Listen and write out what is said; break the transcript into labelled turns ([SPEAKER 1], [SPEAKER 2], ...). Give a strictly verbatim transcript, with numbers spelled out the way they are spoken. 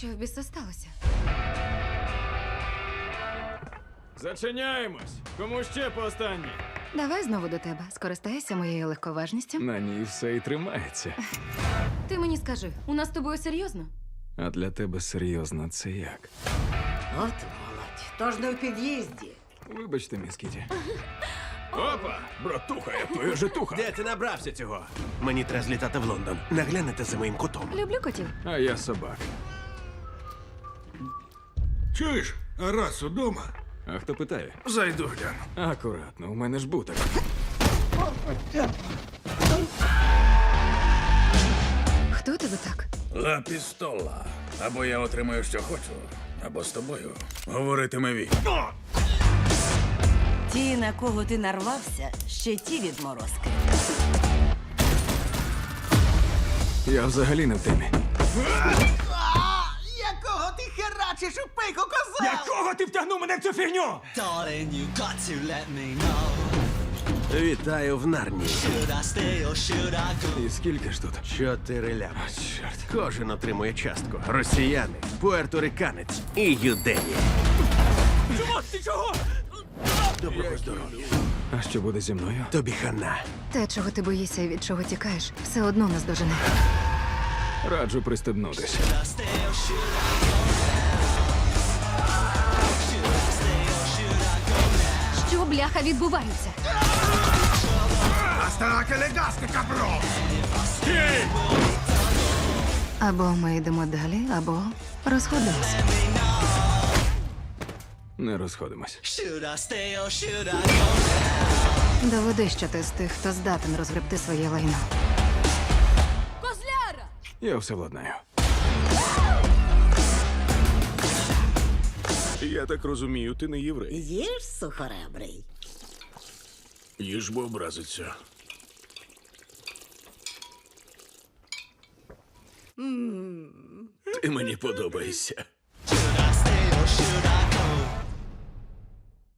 [SPEAKER 1] в біса сталося?
[SPEAKER 2] Зачиняємось! Кому ще по останній?
[SPEAKER 1] Давай знову до тебе. Скористайся моєю легковажністю.
[SPEAKER 2] На ній все і тримається.
[SPEAKER 1] Ти мені скажи, у нас з тобою серйозно?
[SPEAKER 2] А для тебе серйозно це як?
[SPEAKER 3] От молодь, тож не в під'їзді.
[SPEAKER 2] Вибачте, міс Кіті. Опа! Братуха, я твоя житуха!
[SPEAKER 4] Де ти набрався цього? Мені треба злітати в Лондон. Наглянете за моїм котом.
[SPEAKER 1] Люблю котів.
[SPEAKER 2] А я собак.
[SPEAKER 5] Чуєш, а раз удома?
[SPEAKER 2] А хто питає?
[SPEAKER 5] Зайду гляну.
[SPEAKER 2] Акуратно, у мене ж буток.
[SPEAKER 1] Хто тебе так?
[SPEAKER 5] Ла пістола. Або я отримаю, що хочу, або з тобою говоритиме він.
[SPEAKER 3] Ті, на кого ти нарвався, ще ті відморозки.
[SPEAKER 2] Я взагалі не в темі.
[SPEAKER 4] Якого ти херачиш у пику, козел?
[SPEAKER 2] Якого ти втягнув мене в цю фігню?
[SPEAKER 6] Darling, you got to let me know.
[SPEAKER 4] Вітаю в Нарнії.
[SPEAKER 6] Should I stay or should I go?
[SPEAKER 2] І скільки ж тут?
[SPEAKER 4] Чотири лями.
[SPEAKER 2] Чорт.
[SPEAKER 4] Кожен отримує частку. Росіяни, пуерториканець і юдеї.
[SPEAKER 2] Чого? Ти чого?
[SPEAKER 4] Доброго здоров'я.
[SPEAKER 2] А що буде зі мною?
[SPEAKER 4] Тобі хана.
[SPEAKER 1] Те, чого ти боїшся і від чого тікаєш, все одно нас дожене.
[SPEAKER 2] Раджу пристебнутись.
[SPEAKER 6] Should I stay or should I go now? Should I stay or should I go now?
[SPEAKER 1] Що, бляха, відбувається? Або ми йдемо далі, або розходимося.
[SPEAKER 2] Не розходимось.
[SPEAKER 6] Should I stay or should I go?
[SPEAKER 1] Доведи, що ти з тих, хто здатен розгребти своє лайно.
[SPEAKER 2] Я все владнаю.
[SPEAKER 5] Я так розумію, ти не єврей.
[SPEAKER 3] Їж, сухоребрий.
[SPEAKER 5] Їж, бо образиться. Ти мені подобаєшся.